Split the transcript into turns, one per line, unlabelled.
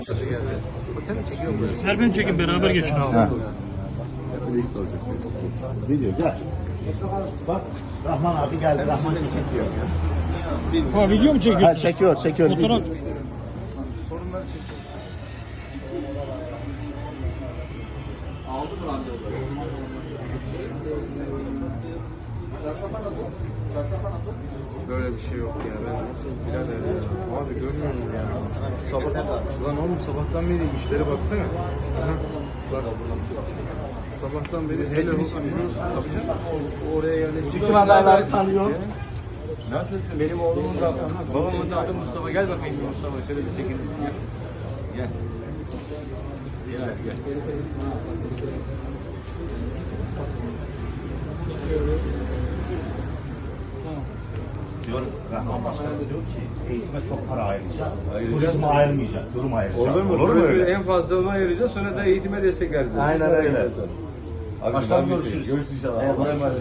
Sen mi çekiyor musun?
Her ben çekin beraber geçin abi.
Video gel. Bak Rahman abi geldi. Rahman seni çekiyor.
Ha, video mu çekiyorsun?
Ha, çekiyor.
Fotoğraf.
Sorunları çekiyor. Aldı mı randevu? Böyle bir şey yok ya. Ben nasıl birader ya. Abi görmüyor musun ya? Lan oğlum sabahtan beri işlere baksana. Aha, bak. Sabahtan beri hele tabii canım. Oraya yerleştik.
Bütün adayları tanıyor.
Nasılsın? Benim oğlumun da babamın da adı Mustafa. Gel bakayım Mustafa, şöyle bir çekin. Gel. Gel.
Diyor Rahman Başkan da diyor ki eğitime çok para ayıracak. Turizme ayırmayacak. Durum ayıracak.
Olur mu?
Olur mu öyle?
En fazla onu ayıracağız, sonra da eğitime destek vereceğiz.
Aynen öyle.
Abi,
Başkan
ben bir şey-
görüşürüz.
Görüşürüz inşallah.
Eyvallah.
Allah'a emanet.